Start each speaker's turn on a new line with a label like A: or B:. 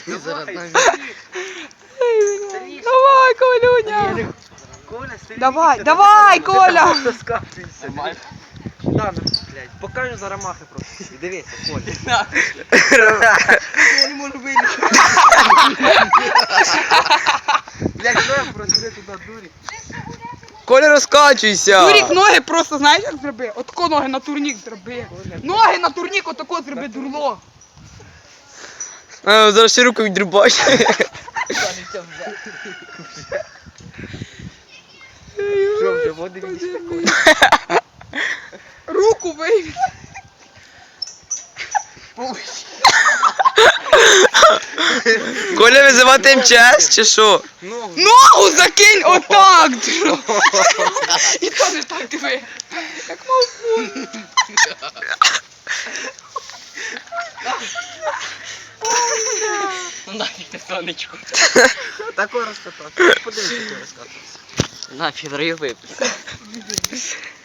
A: Давай, Колюня. Давай, Коля.
B: Да, блядь, покажу за рамахи просто. Дивися, Коля. Я не можу вилізти. Блядь, що я просили туди, дурі?
C: Коля, розкачуйся!
A: Турік, ноги просто знаєш як зроби? Отако ноги на турнік зроби. Ноги на турнік отако зроби, дурло.
C: А, зараз ще руку відрубай.
B: Що вже, води відійшли, Коля?
A: Руку вийми.
C: Коля, визивати МЧС чи що?
A: Ногу закинь отак. І то не так диви. Як мав.
D: Нафіг ти сонечко.
B: Такого розкатався. Подивись, який розкатався.
D: Нафіг, раю випуск.